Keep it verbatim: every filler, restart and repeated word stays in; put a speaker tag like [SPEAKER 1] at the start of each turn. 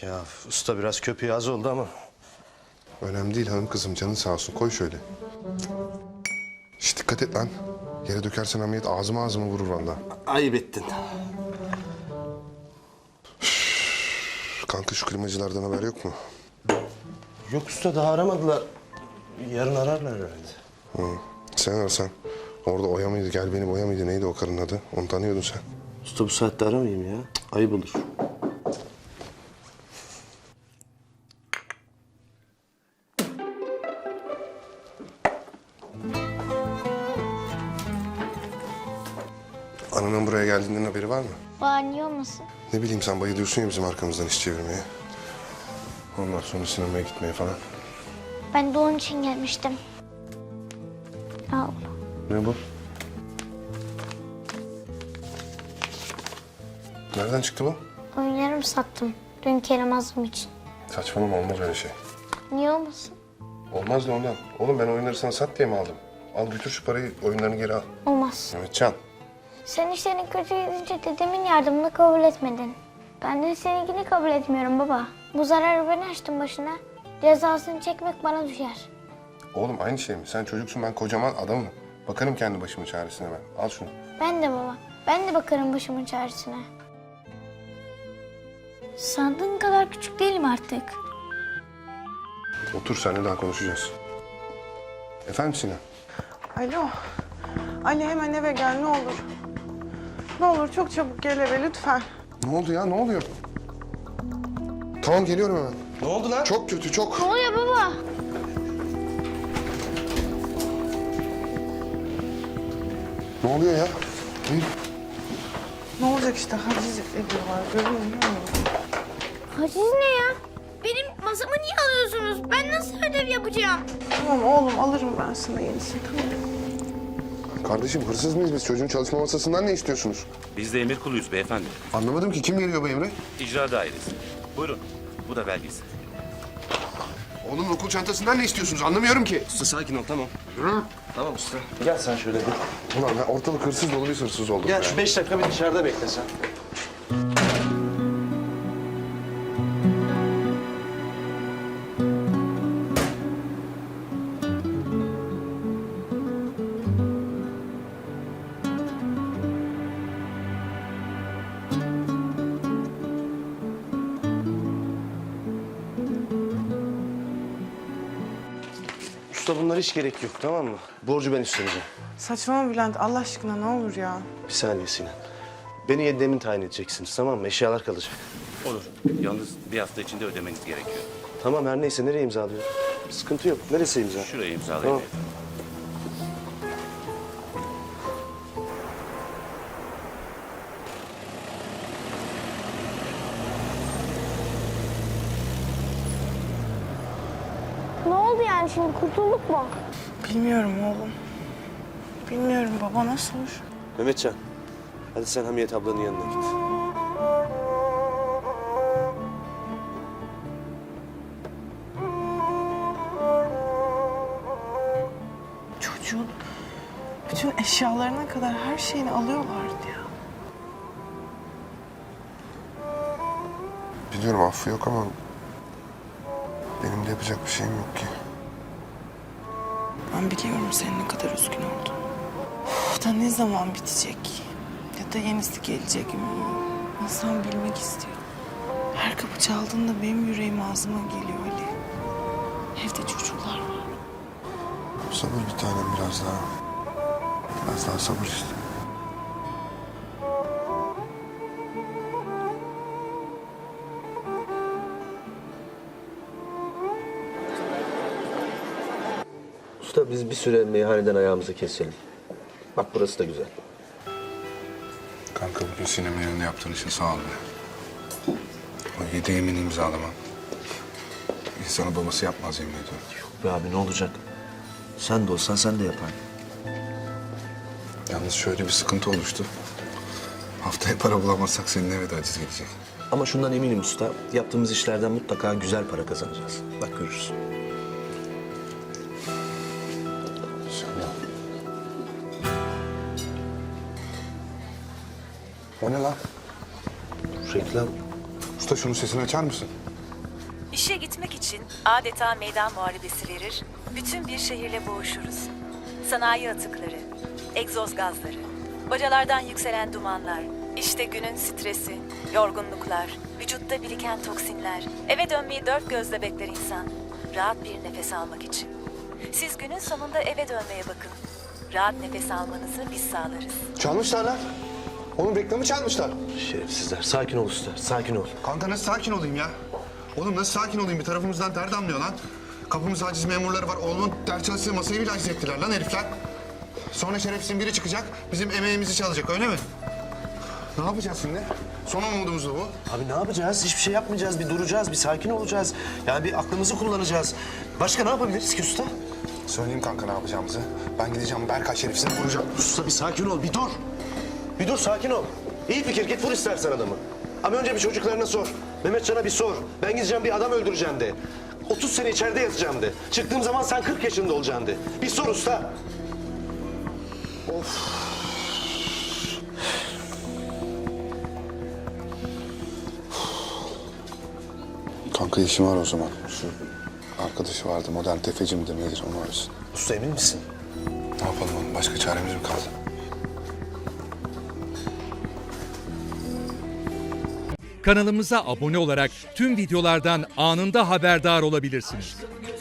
[SPEAKER 1] Ya usta biraz köpüğü az oldu ama.
[SPEAKER 2] Önemli değil hanım kızım, canın sağ olsun. Koy şöyle. Şişt, dikkat et lan. Yere dökersen Hamiyet ağzıma ağzıma vurur vallahi.
[SPEAKER 1] Ayıp ettin.
[SPEAKER 2] Kanka şu klimacılardan haber yok mu?
[SPEAKER 1] Yok usta, daha aramadılar. Yarın ararlar herhalde.
[SPEAKER 2] Hı. Sen ararsan. Orada Oya mıydı, gel benim Oya mıydı, neydi o karının adı? Onu tanıyordun sen.
[SPEAKER 1] Usta bu saatte aramayayım ya. Ayıp olur.
[SPEAKER 2] Ananın buraya geldiğinden haberi var mı?
[SPEAKER 3] Var, niye olmasın?
[SPEAKER 2] Ne bileyim, sen bayılıyorsun ya bizim arkamızdan iş çevirmeye. Ondan sonra sinemaya gitmeye falan.
[SPEAKER 3] Ben de onun için gelmiştim. Al.
[SPEAKER 2] Ne bu? Nereden çıktı bu?
[SPEAKER 3] Oyunlarımı sattım. Dün Kerem Azım için.
[SPEAKER 2] Saçmalama, olmaz öyle şey.
[SPEAKER 3] Niye olmasın?
[SPEAKER 2] Olmaz da ondan. Oğlum ben oyunları sana sat diye mi aldım? Al götür şu parayı, oyunlarını geri al.
[SPEAKER 3] Olmaz.
[SPEAKER 2] Mehmetcan.
[SPEAKER 3] Sen işlerin kötü gidince dedemin yardımını kabul etmedin. Ben de seninkini kabul etmiyorum baba. Bu zararı ben açtım başına. Cezasını çekmek bana düşer.
[SPEAKER 2] Oğlum aynı şey mi? Sen çocuksun, ben kocaman adamım. Bakarım kendi başımın çaresine ben. Al şunu.
[SPEAKER 3] Ben de baba. Ben de bakarım başımın çaresine. Sandığın kadar küçük değilim artık.
[SPEAKER 2] Otur, seninle daha konuşacağız. Efendim Sinan?
[SPEAKER 4] Alo. Ali hemen eve gel ne olur. Ne olur çok çabuk gel eve lütfen.
[SPEAKER 2] Ne oldu ya, ne oluyor? Tamam, geliyorum hemen.
[SPEAKER 1] Ne oldu lan?
[SPEAKER 2] Çok kötü, çok.
[SPEAKER 3] Ne oluyor baba?
[SPEAKER 2] Ne oluyor ya? Hayır.
[SPEAKER 4] Ne olacak işte haciz ediyorlar görüyor musun?
[SPEAKER 3] Haciz ne ya? Benim masamı niye alıyorsunuz? Ben nasıl ödev yapacağım?
[SPEAKER 4] Tamam oğlum alırım ben sana yenisini tamam.
[SPEAKER 2] Kardeşim, hırsız mıyız biz? Çocuğun çalışma masasından ne istiyorsunuz?
[SPEAKER 5] Biz de emir kuluyuz beyefendi.
[SPEAKER 2] Anlamadım ki, kim veriyor bu emri?
[SPEAKER 5] İcra dairesi. Buyurun. Bu da belgesi.
[SPEAKER 2] Oğlum okul çantasından ne istiyorsunuz? Anlamıyorum ki.
[SPEAKER 1] Usta sakin ol, tamam.
[SPEAKER 2] Hı?
[SPEAKER 1] Tamam usta. Gel sen şöyle bir.
[SPEAKER 2] Ulan ben ortalık hırsız dolu, bir hırsız oldum.
[SPEAKER 1] Gel
[SPEAKER 2] be.
[SPEAKER 1] şu beş dakika bir dışarıda bekle sen. Usta bunlara hiç gerek yok, tamam mı? Borcu ben üstleneceğim.
[SPEAKER 4] Saçmalama Bülent Allah aşkına ne olur ya.
[SPEAKER 1] Bir saniye Sinan. Beni Yedem'in tayin edeceksiniz, tamam mı? Eşyalar kalacak.
[SPEAKER 5] Olur. Yalnız bir hafta içinde ödemeniz gerekiyor.
[SPEAKER 1] Tamam, her neyse, nereye imzalıyor? Sıkıntı yok. Neresi imza?
[SPEAKER 5] Şuraya imzalayın
[SPEAKER 1] Tamam.
[SPEAKER 5] beyefendi.
[SPEAKER 3] Ne oldu yani şimdi? Kurtulduk mu?
[SPEAKER 4] Bilmiyorum oğlum. Bilmiyorum baba nasıl olur?
[SPEAKER 1] Mehmetcan, hadi sen Hamiyet ablanın yanına git.
[SPEAKER 4] Çocuğun bütün eşyalarına kadar her şeyini alıyorlardı ya.
[SPEAKER 2] Biliyorum, affı yok ama... benim de yapacak bir şeyim yok ki.
[SPEAKER 4] Ben biliyorum senin ne kadar üzgün oldun. Uf, da ne zaman bitecek? Ya da yenisi gelecek mi? İnsan bilmek istiyor. Her kapı çaldığında benim yüreğim ağzıma geliyor Ali. Evde çocuklar var.
[SPEAKER 2] Sabır bir tanem, biraz daha. Biraz daha sabır işte.
[SPEAKER 1] Usta biz bir süre meyhaneden ayağımızı keselim. Bak burası da güzel.
[SPEAKER 2] Kanka bugün sinema yerine yaptığın için sağ ol be. O yedi yemin imzalaman. İnsanı babası yapmaz, yemin ediyorum.
[SPEAKER 1] Yok be abi, ne olacak? Sen de olsan sen de yapardın.
[SPEAKER 2] Yalnız şöyle bir sıkıntı oluştu. Haftaya para bulamazsak senin eve de aciz gelecek.
[SPEAKER 1] Ama şundan eminim usta, yaptığımız işlerden mutlaka güzel para kazanacağız. Bak görürsün.
[SPEAKER 2] İnşallah. O ne lan?
[SPEAKER 1] Reklam.
[SPEAKER 2] Usta şunun sesini açar mısın?
[SPEAKER 6] İşe gitmek için adeta meydan muharebesi verir, bütün bir şehirle boğuşuruz. Sanayi atıkları, egzoz gazları, bacalardan yükselen dumanlar, işte günün stresi, yorgunluklar, vücutta biriken toksinler. Eve dönmeyi dört gözle bekler insan, rahat bir nefes almak için. Siz günün sonunda eve dönmeye bakın. Rahat nefes almanızı biz sağlarız.
[SPEAKER 2] Çalmışlar lan. Oğlum reklamı çalmışlar.
[SPEAKER 1] Şerefsizler. Sakin ol usta. Sakin ol.
[SPEAKER 2] Kanka nasıl sakin olayım ya? Oğlum nasıl sakin olayım? Bir tarafımızdan ter damlıyor lan. Kapımızda aciz memurları var. Oğlumun ders çalıştığı masayı bile aciz ettiler lan herifler. Sonra şerefsizin biri çıkacak, bizim emeğimizi çalacak öyle mi? Ne yapacağız şimdi? Son umudumuz da bu.
[SPEAKER 1] Abi ne yapacağız? Hiçbir şey yapmayacağız. Bir duracağız, bir sakin olacağız. Yani bir aklımızı kullanacağız. Başka ne yapabiliriz ki usta?
[SPEAKER 2] Söyleyeyim kanka ne yapacağımızı. Ben gideceğim Berkay şerefsizini vuracağım.
[SPEAKER 1] Usta bir sakin ol, bir dur. Bir dur, sakin ol. İyi fikir, git vur istersen adamı. Ama önce bir çocuklarına sor. Mehmetcan'a bir sor. Ben gideceğim bir adam öldüreceğim de. otuz sene içeride yatacağım de. Çıktığım zaman sen kırk yaşında olacaksın de. Bir sor usta.
[SPEAKER 2] Kanka işim var o zaman. Şu arkadaşı vardı modern tefeci mi nedir onu arasın.
[SPEAKER 1] Usta emin misin?
[SPEAKER 2] Ne yapalım oğlum başka çaremiz mi kaldı?
[SPEAKER 7] Kanalımıza abone olarak tüm videolardan anında haberdar olabilirsiniz.